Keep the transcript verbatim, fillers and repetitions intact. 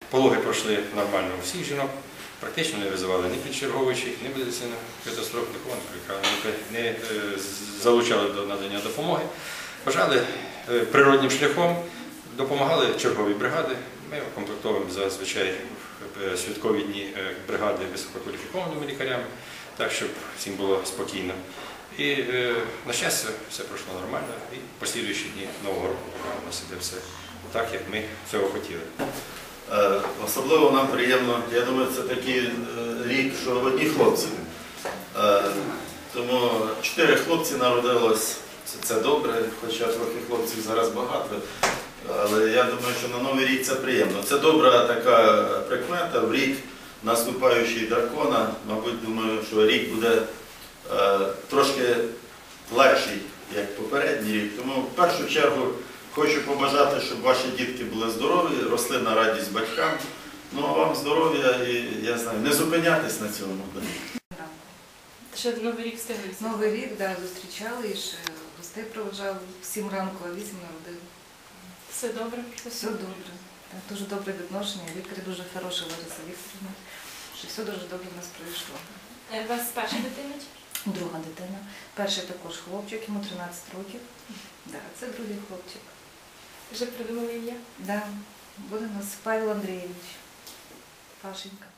Пологи пройшли нормально у всіх жінок, практично не визивали ні підчерговуючих, ні медицину катастроф, нікого не, не залучали до надання допомоги. Бажали природним шляхом, допомагали чергові бригади. Ми комплектовуємо зазвичай святкові дні бригади висококваліфікованими лікарями, так, щоб всім було спокійно. І, на щастя, все пройшло нормально, і послідуючі дні Нового року у нас іде все так, як ми цього хотіли. Особливо нам приємно, я думаю, це такий рік, що одні хлопці. Тому чотири хлопці народилось, це добре, хоча трохи хлопців зараз багато. Але я думаю, що на Новий рік це приємно. Це добра така прикмета, в рік наступаючий дракона. Мабуть, думаю, що рік буде е, трошки легший, як попередній рік. Тому в першу чергу хочу побажати, щоб ваші дітки були здорові, росли на радість батькам. Ну а вам здоров'я і, я знаю, не зупинятись на цьому. Ще Новий рік встигли? Новий рік, так, да, зустрічали, і ще гостей проводжали в сім ранку, а вісім народили. Все добре? Все добре. Так, дуже добре відношення, лікарі дуже хороші, Лариса Вікторівна, що все дуже добре в нас пройшло. У вас перша дитина? Друга дитина. Перший також хлопчик, йому тринадцять років. Да, це другий хлопчик. Вже придумали ім'я? Да, буде у нас Павел Андрійович. Пашенька.